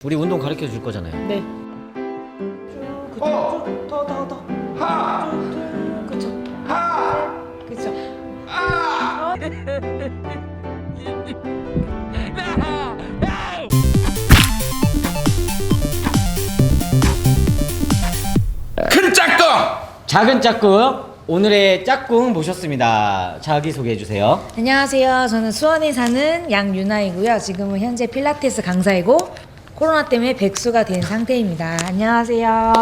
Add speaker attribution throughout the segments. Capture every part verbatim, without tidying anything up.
Speaker 1: 우리 운동 가르쳐 줄 거잖아요.
Speaker 2: 네. 쭉 그쵸.
Speaker 3: 어.
Speaker 2: 쭉 더 더 더.
Speaker 3: 하!
Speaker 2: 쭉 그쵸.
Speaker 3: 하!
Speaker 2: 그쵸.
Speaker 3: 아! 큰 짝꿍!
Speaker 1: 작은 짝꿍, 오늘의 짝꿍 모셨습니다. 자기 소개해 주세요.
Speaker 2: 안녕하세요. 저는 수원에 사는 양유나이고요. 지금은 현재 필라테스 강사이고 코로나 때문에 백수가 된 상태입니다. 안녕하세요.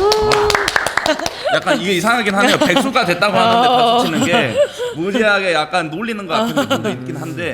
Speaker 3: 약간 이게 이상하긴 하네요. 백수가 됐다고 하는데 박수 치는 게 무리하게 약간 놀리는 것 같은 느낌도 있긴 한데.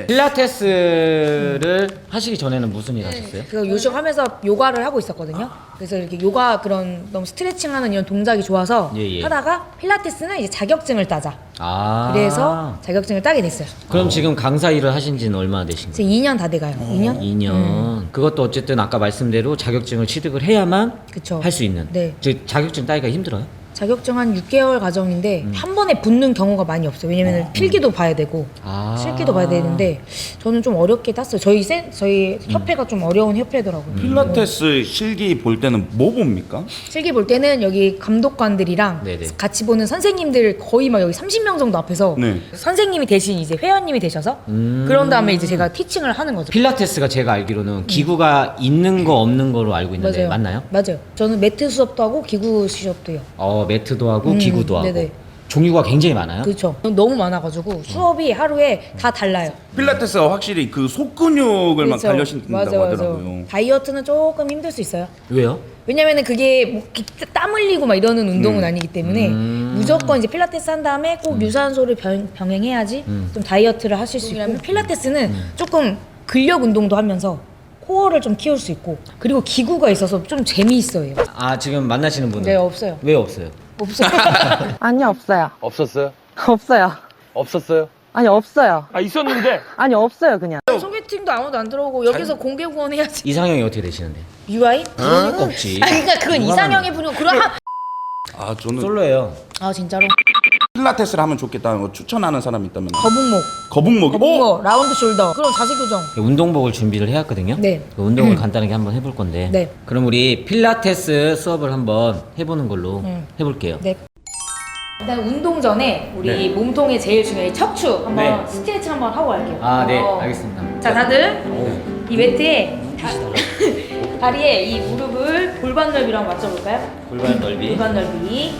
Speaker 1: 필라테스를 하시기 전에는 무슨 일 하셨어요?
Speaker 2: 그 요식하면서 요가를 하고 있었거든요. 그래서 이렇게 요가 그런 너무 스트레칭하는 이런 동작이 좋아서
Speaker 1: 예, 예.
Speaker 2: 하다가 필라테스는 이제 자격증을 따자.
Speaker 1: 아.
Speaker 2: 그래서 자격증을 따게 됐어요.
Speaker 1: 그럼 지금 강사 일을 하신 지는 얼마나 되신
Speaker 2: 이제
Speaker 1: 거예요?
Speaker 2: 이 년 다 돼가요. 이 년?
Speaker 1: 이 년. 그것도 어쨌든 아까 말씀대로 자격증을 취득을 해야만
Speaker 2: 그쵸.
Speaker 1: 할 수 있는.
Speaker 2: 네.
Speaker 1: 즉 자격증 따기가 힘들어요?
Speaker 2: 자격증 한 육 개월 과정인데 한 번에 붙는 경우가 많이 없어요. 왜냐면 은 필기도 봐야 되고
Speaker 1: 아.
Speaker 2: 실기도 봐야 되는데 저는 좀 어렵게 땄어요. 저희 센 저희 협회가 좀 어려운 협회더라고요.
Speaker 3: 필라테스 실기 볼 때는 뭐 봅니까?
Speaker 2: 실기 볼 때는 여기 감독관들이랑
Speaker 1: 네네.
Speaker 2: 같이 보는 선생님들 거의 막 여기 삼십 명 정도 앞에서
Speaker 3: 네.
Speaker 2: 선생님이 대신 이제 회원님이 되셔서
Speaker 1: 음.
Speaker 2: 그런 다음에 이제 제가 티칭을 하는 거죠.
Speaker 1: 필라테스가 제가 알기로는 기구가 있는 거 없는 거로 알고 있는데
Speaker 2: 맞아요.
Speaker 1: 맞나요?
Speaker 2: 맞아요. 저는 매트 수업도 하고 기구 수업도 해요.
Speaker 1: 어, 매트도 하고
Speaker 2: 음,
Speaker 1: 기구도 하고.
Speaker 2: 네네.
Speaker 1: 종류가 굉장히 많아요.
Speaker 2: 그렇죠. 너무 많아가지고 수업이 하루에 다 달라요.
Speaker 3: 필라테스가 확실히 그 속근육을만
Speaker 2: 그렇죠.
Speaker 3: 단련시킨다고
Speaker 2: 맞아, 맞아.
Speaker 3: 하더라고요.
Speaker 2: 다이어트는 조금 힘들 수 있어요.
Speaker 1: 왜요?
Speaker 2: 왜냐면은 그게 뭐 이렇게 땀 흘리고 막 이러는 운동은
Speaker 3: 음.
Speaker 2: 아니기 때문에
Speaker 1: 음.
Speaker 2: 무조건 이제 필라테스 한 다음에 꼭 유산소를 병, 병행해야지
Speaker 1: 음.
Speaker 2: 좀 다이어트를 하실 수 있고 필라테스는 조금 근력 운동도 하면서 코어를 좀 키울 수 있고 그리고 기구가 있어서 좀 재미있어요.
Speaker 1: 아 지금 만나시는 분은?
Speaker 2: 네, 없어요.
Speaker 1: 왜 없어요?
Speaker 2: 없어요.
Speaker 4: 아니요, 없어요.
Speaker 5: 없었어요?
Speaker 4: 없어요.
Speaker 5: 없었어요?
Speaker 4: 아니, 없어요.
Speaker 5: 아 있었는데
Speaker 4: 아니, 없어요, 그냥.
Speaker 2: 소개팅도 아무도 안 들어오고 여기서 공개 구원 해야지.
Speaker 1: 이상형이 어떻게 되시는데?
Speaker 2: 유아인?
Speaker 1: 그러니까 없지.
Speaker 2: 아 그러니까 그건
Speaker 1: 누가
Speaker 2: 이상형의 분이고 그럼 하...
Speaker 3: 아 저는
Speaker 1: 솔로예요.
Speaker 2: 아 진짜로?
Speaker 3: 필라테스를 하면 좋겠다는 거 추천하는 사람 있다면
Speaker 2: 거북목,
Speaker 3: 거북목이 어?
Speaker 2: 거북목, 라운드 숄더 그런 자세 교정.
Speaker 1: 운동복을 준비를 해왔거든요.
Speaker 2: 네.
Speaker 1: 그 운동을 간단하게 한번 해볼 건데.
Speaker 2: 네.
Speaker 1: 그럼 우리 필라테스 수업을 한번 해보는 걸로
Speaker 2: 음.
Speaker 1: 해볼게요.
Speaker 2: 네. 일단 운동 전에 우리
Speaker 3: 네.
Speaker 2: 몸통에 제일 중요한 이 척추 한번
Speaker 1: 네.
Speaker 2: 스트레칭 한번 하고 갈게요.
Speaker 1: 아, 네,
Speaker 2: 어.
Speaker 1: 알겠습니다.
Speaker 2: 자, 다들
Speaker 1: 오,
Speaker 2: 이 매트에 다,
Speaker 1: 빛이 달라.
Speaker 2: 다리에 이 무릎을 골반 넓이랑 맞춰볼까요?
Speaker 1: 골반 넓이.
Speaker 2: 골반 넓이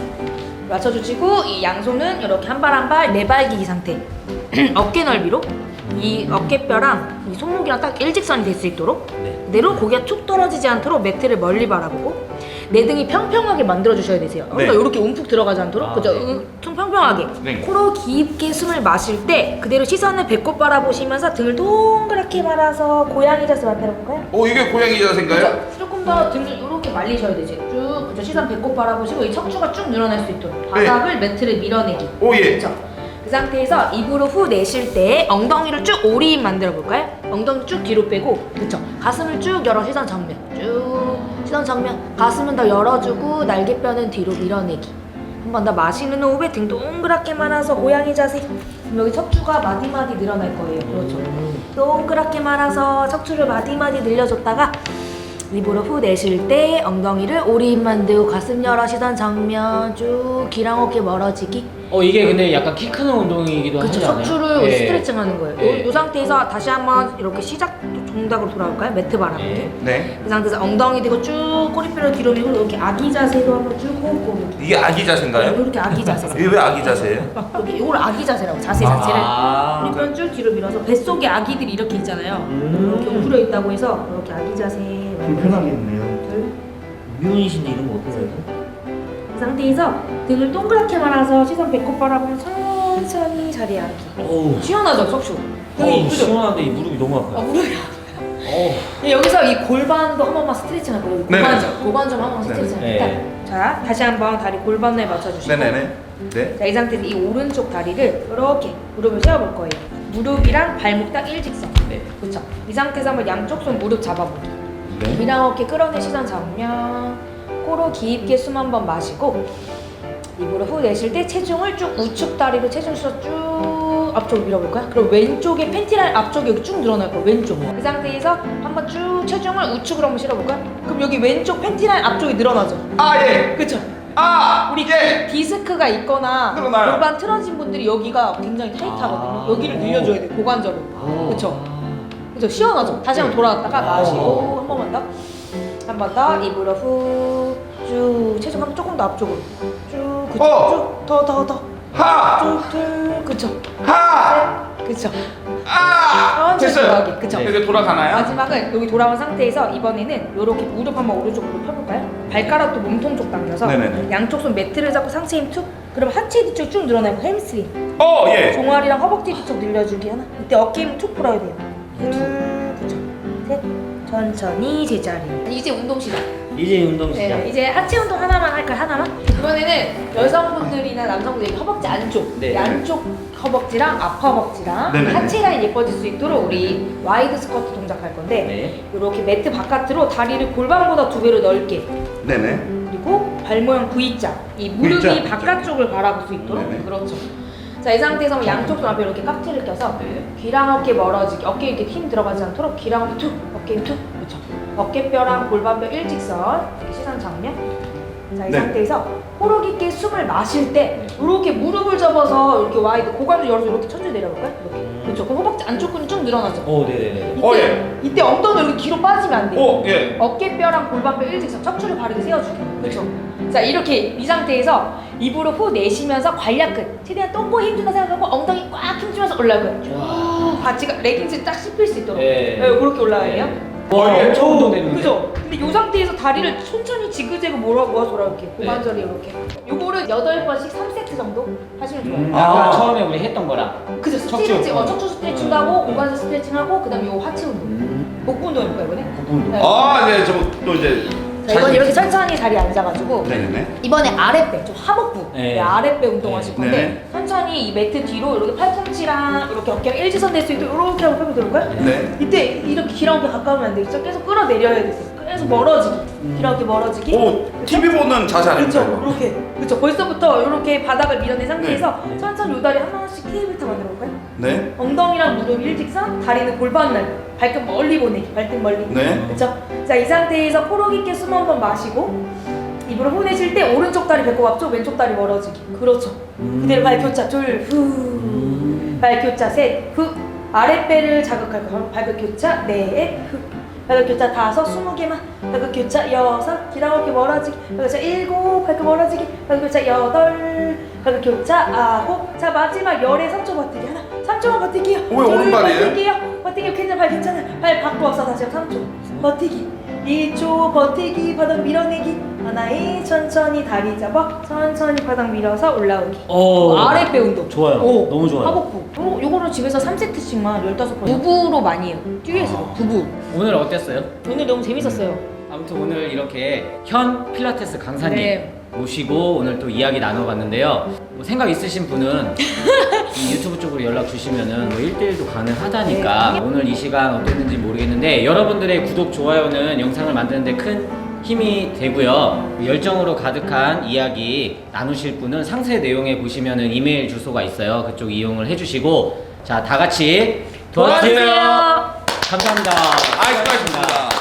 Speaker 2: 맞춰주시고 이 양손은 이렇게 한 발 한 발 내발기기 상태. 어깨 넓이로 이 어깨뼈랑 이 손목이랑 딱 일직선이 될 수 있도록
Speaker 1: 네.
Speaker 2: 그대로 고개가 툭 떨어지지 않도록 매트를 멀리 바라보고 내 등이 평평하게 만들어 주셔야 되세요. 그러니까
Speaker 3: 네.
Speaker 2: 이렇게 움푹 들어가지 않도록
Speaker 1: 아,
Speaker 2: 그죠?
Speaker 1: 네.
Speaker 2: 음, 좀 평평하게
Speaker 3: 네.
Speaker 2: 코로 깊게 숨을 마실 때 그대로 시선을 배꼽 바라보시면서 등을 동그랗게 말아서 고양이 자세 만들어 볼까요?
Speaker 3: 어 이게 고양이 자세인가요?
Speaker 2: 그죠? 조금 더 등을 이렇게 말리셔야 되지. 쭉 그죠? 시선 배꼽 바라보시고 이 척추가 쭉 늘어날 수 있도록 바닥을 매트를 밀어내기.
Speaker 3: 오 예.
Speaker 2: 그렇죠. 그 상태에서 입으로 후 내쉴 때 엉덩이를 쭉 오리인 만들어 볼까요? 엉덩이 쭉 뒤로 빼고 그쵸? 가슴을 쭉 열어 시선 정면 쭉 시선 정면 가슴은 더 열어주고 날개뼈는 뒤로 밀어내기. 한 번 더 마시는 호흡에 등 동그랗게 말아서 고양이 자세. 그럼 여기 척추가 마디마디 늘어날 거예요. 그렇죠. 동그랗게 말아서 척추를 마디마디 늘려줬다가 입으로 후 내쉴 때 엉덩이를 오리인 만들고 가슴 열어 시선 정면 쭉 귀랑 어깨 멀어지기.
Speaker 1: 어 이게 근데 약간 키 크는 운동이기도 하지
Speaker 2: 그쵸,
Speaker 1: 않아요?
Speaker 2: 척추를
Speaker 1: 예.
Speaker 2: 스트레칭 하는 거예요.
Speaker 1: 예.
Speaker 2: 이 상태에서 다시 한번 이렇게 시작 동작으로 돌아올까요? 매트 바라보기.
Speaker 1: 예.
Speaker 3: 네.
Speaker 2: 그 상태에서 엉덩이 대고 쭉 꼬리뼈를 뒤로 밀고 이렇게 아기 자세로 한번 쭉 호흡 고르기.
Speaker 3: 이게 아기 자세인가요?
Speaker 2: 이렇게 아기 자세.
Speaker 3: 이게 왜 아기 자세예요?
Speaker 2: 여기 이걸 아기 자세라고 자세 자체를.
Speaker 1: 아.
Speaker 2: 꼬리뼈 쭉 뒤로 밀어서 뱃속에 아기들이 이렇게 있잖아요. 이렇게 웅크려 있다고 해서 이렇게 아기 자세.
Speaker 6: 불편하겠네요.
Speaker 1: 미혼이신데 이런 거 어떻게 해요?
Speaker 2: 그 상태에서 등을 동그랗게 말아서 시선 배꼽 바라보면 천천히 자리에 앉기.
Speaker 1: 어우.
Speaker 2: 시원하죠, 척추?
Speaker 1: 어우
Speaker 2: 여기 그죠?
Speaker 1: 시원한데 이 무릎이 너무
Speaker 2: 아,
Speaker 1: 아파요.
Speaker 2: 무릎이
Speaker 1: 어우.
Speaker 2: 여기서 이 골반도 한 번만 스트레칭 할 거예요.
Speaker 3: 네네.
Speaker 2: 고관점, 고관점 한 번 스트레칭
Speaker 1: 네네.
Speaker 2: 할게요. 자, 다시 한번 다리 골반에 맞춰주시고.
Speaker 3: 네네네. 네.
Speaker 2: 자, 이 상태에서 이 오른쪽 다리를 이렇게 무릎을 세워볼 거예요. 무릎이랑 발목 딱 일직선.
Speaker 1: 네.
Speaker 2: 그렇죠. 이 상태에서 한번 양쪽 손 무릎 잡아보기.
Speaker 3: 네.
Speaker 2: 귀랑 어깨 끌어내 시선 정면. 코로 깊게 숨 한 번 마시고 입으로 후 내쉴 때 체중을 쭉 우측 다리로 체중 실어 쭉 쭉 앞쪽으로 밀어볼까요? 그럼 왼쪽에 팬티라인 앞쪽이 여기 쭉 늘어날 거예요. 왼쪽. 그 상태에서 한번 쭉 체중을 우측으로 한번 실어볼까요? 그럼 여기 왼쪽 팬티라인 앞쪽이 늘어나죠.
Speaker 3: 아 예.
Speaker 2: 그쵸?
Speaker 3: 아
Speaker 2: 우리
Speaker 3: 예.
Speaker 2: 디스크가 있거나
Speaker 3: 늘어나요.
Speaker 2: 골반 틀어진 분들이 여기가 굉장히 타이트하거든요.
Speaker 1: 아.
Speaker 2: 여기를 늘려줘야 돼요. 고관절을. 그쵸? 그쵸? 시원하죠? 다시 한번 돌아왔다가 마시고 한 번만 더. 한 번 더. 입으로 후. 쭉. 체중 한번 조금 더 앞쪽으로. 쭉. 그쵸?
Speaker 3: 어.
Speaker 2: 쭉. 더, 더, 더.
Speaker 3: 하.
Speaker 2: 쭉, 쭉. 그쵸?
Speaker 3: 하.
Speaker 2: 셋. 그쵸?
Speaker 3: 아.
Speaker 2: 천천히
Speaker 3: 됐어요.
Speaker 2: 돌아가기. 그쵸?
Speaker 3: 이렇게 돌아가나요?
Speaker 2: 마지막은 여기 돌아온 상태에서 이번에는 이렇게 무릎 한번 오른쪽으로 펴볼까요? 발가락도 몸통 쪽 당겨서
Speaker 3: 네네네.
Speaker 2: 양쪽 손 매트를 잡고 상체 힘 툭. 그럼 하체 뒤쪽 쭉 늘어나고 햄스트링.
Speaker 3: 어 예.
Speaker 2: 종아리랑 허벅지 뒤쪽 늘려주기 하나. 이때 어깨 힘 툭 풀어야 돼요. 둘, 그쵸. 셋. 천천히 제자리. 이제 운동 시작.
Speaker 1: 이제 운동 시작.
Speaker 2: 네, 이제 하체 운동 하나만 할까요? 하나만? 이번에는 여성분들이나 남성분들 허벅지 안쪽,
Speaker 1: 네.
Speaker 2: 양쪽 허벅지랑 앞 허벅지랑
Speaker 3: 네네네.
Speaker 2: 하체 라인 예뻐질 수 있도록 우리 와이드 스쿼트 동작 할 건데
Speaker 1: 네.
Speaker 2: 이렇게 매트 바깥으로 다리를 골반보다 두 배로 넓게
Speaker 3: 네네.
Speaker 2: 그리고 발 모양 V자 이 무릎이
Speaker 3: V자.
Speaker 2: 바깥쪽을 바라볼 수 있도록
Speaker 3: 네네.
Speaker 2: 그렇죠. 자, 이 상태에서 양쪽 손 앞에 이렇게 깍지를 껴서
Speaker 1: 네.
Speaker 2: 귀랑 어깨 멀어지게 어깨에 이렇게 힘 들어가지 않도록 귀랑 어깨 툭 어깨 힘 툭 그렇죠. 어깨뼈랑 골반뼈 일직선 이렇게 시선 정면. 자, 이
Speaker 3: 네.
Speaker 2: 상태에서 호흡 깊게 숨을 마실 때 이렇게 무릎을 접어서 이렇게 와이드 고관절 열어서 이렇게 천천히 내려볼까요? 이렇게. 그렇죠. 그럼 허벅지 안쪽 근이 쭉 늘어나죠.
Speaker 1: 오, 네네네.
Speaker 2: 이때,
Speaker 3: 어, 예.
Speaker 2: 이때 엉덩이 이렇게 뒤로 빠지면 안 돼요.
Speaker 3: 오 예.
Speaker 2: 어깨뼈랑 골반뼈 일직선 척추를 바르게 세워주기. 그렇죠. 자, 이렇게 이 상태에서 입으로 후 내쉬면서 관략 끝. 최대한 똥꼬 힘준다 생각하고 엉덩이 꽉 힘주면서 올라가요. 쭉 바지가 레깅스 딱 씹힐 수 있도록.
Speaker 1: 네.
Speaker 2: 네, 그렇게 올라가야 돼요.
Speaker 1: 와,
Speaker 3: 예.
Speaker 1: 엄청 운동되는데.
Speaker 2: 그죠? 근데 이 상태에서 다리를 천천히 지그재그 몰아 모아서 이렇게 고관절이 이렇게. 요거를 여덟 번씩 삼 세트 정도 하시면 좋아요.
Speaker 3: 음.
Speaker 1: 아까
Speaker 3: 아.
Speaker 1: 처음에 우리 했던 거랑.
Speaker 2: 그죠?
Speaker 1: 척추.
Speaker 2: 스트레칭, 어, 척추 스트레칭 하고
Speaker 1: 음.
Speaker 2: 고관절 스트레칭 하고 그다음에 요 하체 운동.
Speaker 1: 음.
Speaker 2: 복부 운동 해볼까요 이번에?
Speaker 1: 복부 운동.
Speaker 2: 네.
Speaker 3: 아 네. 저 또 이제.
Speaker 2: 자, 이번 이렇게 천천히 다리 앉아가지고
Speaker 3: 네네네.
Speaker 2: 이번에 아랫배, 좀 하복부,
Speaker 1: 네.
Speaker 2: 네, 아랫배 운동하실 건데
Speaker 3: 네.
Speaker 2: 천천히 이 매트 뒤로 이렇게 팔꿈치랑 이렇게 어깨가 일직선 될 수 있도록 이렇게 하고 펴면 될까요?
Speaker 3: 네.
Speaker 2: 이때 이렇게 귀랑 어깨 가까우면 안 되겠죠? 계속 끌어내려야 되세요. 계속 멀어지기, 귀랑 어깨 멀어지기.
Speaker 3: 오 티비 보는 자세
Speaker 2: 그렇죠,
Speaker 3: 아닙니까?
Speaker 2: 이렇게 그렇죠. 벌써부터 이렇게 바닥을 밀어낸 상태에서
Speaker 1: 네.
Speaker 2: 천천히 요 다리 하나씩 테이블트 만들어 볼까요?
Speaker 3: 네.
Speaker 2: 엉덩이랑 무릎 일직선, 다리는 골반 날, 발끝 멀리 보내기, 발등 멀리.
Speaker 3: 네.
Speaker 2: 그렇죠? 자, 이 상태에서 코로 깊게 숨 한 번 마시고 입으로 후 내쉴 때 오른쪽 다리 배꼽 앞쪽, 왼쪽 다리 멀어지기. 그렇죠.
Speaker 1: 음.
Speaker 2: 그대로 발 교차 둘, 후.
Speaker 1: 음.
Speaker 2: 발 교차 셋, 후. 아랫배를 자극할 거예요. 발끝 교차 넷, 후. 발끝 교차 다섯, 스무 개만. 발끝 교차 여섯, 기랑 어깨 멀어지기. 발끝 교차 일곱, 발끝 멀어지기. 발끝 교차 여덟, 발끝 교차 아홉. 자, 마지막 열에 삼 초 버티기 하나. 삼 초만 버티기요.
Speaker 3: 왜 오른발이에요?
Speaker 2: 버티기요. 버티기 괜찮아, 발 괜찮아요. 발 바꿔서 다시 삼 초. 버티기. 이 초 버티기, 바닥 밀어내기. 하나에 천천히 다리 잡아 천천히 바닥 밀어서 올라오기.
Speaker 1: 오.
Speaker 2: 아랫배 운동.
Speaker 1: 좋아요.
Speaker 2: 오,
Speaker 1: 너무 좋아요.
Speaker 2: 하복부. 요, 요거를 집에서 삼 세트씩만 열다섯 번. 부부로 많이 해요. 듀엣으로. 부부.
Speaker 1: 오늘 어땠어요?
Speaker 2: 오늘 너무 재밌었어요.
Speaker 1: 아무튼 오늘 이렇게 현 필라테스 강사님
Speaker 2: 네.
Speaker 1: 모시고 오늘 또 이야기 나눠봤는데요. 뭐 생각 있으신 분은 이 유튜브 쪽으로 연락 주시면은 뭐 일 대일도 가능하다니까
Speaker 2: 네.
Speaker 1: 오늘 이 시간 어땠는지 모르겠는데 여러분들의 구독, 좋아요는 영상을 만드는데 큰 힘이 되고요. 열정으로 가득한 이야기 나누실 분은 상세 내용에 보시면은 이메일 주소가 있어요. 그쪽 이용을 해주시고 자, 다 같이 도와주세요.
Speaker 2: 도와주세요.
Speaker 1: 감사합니다.
Speaker 3: 아 수고하셨습니다.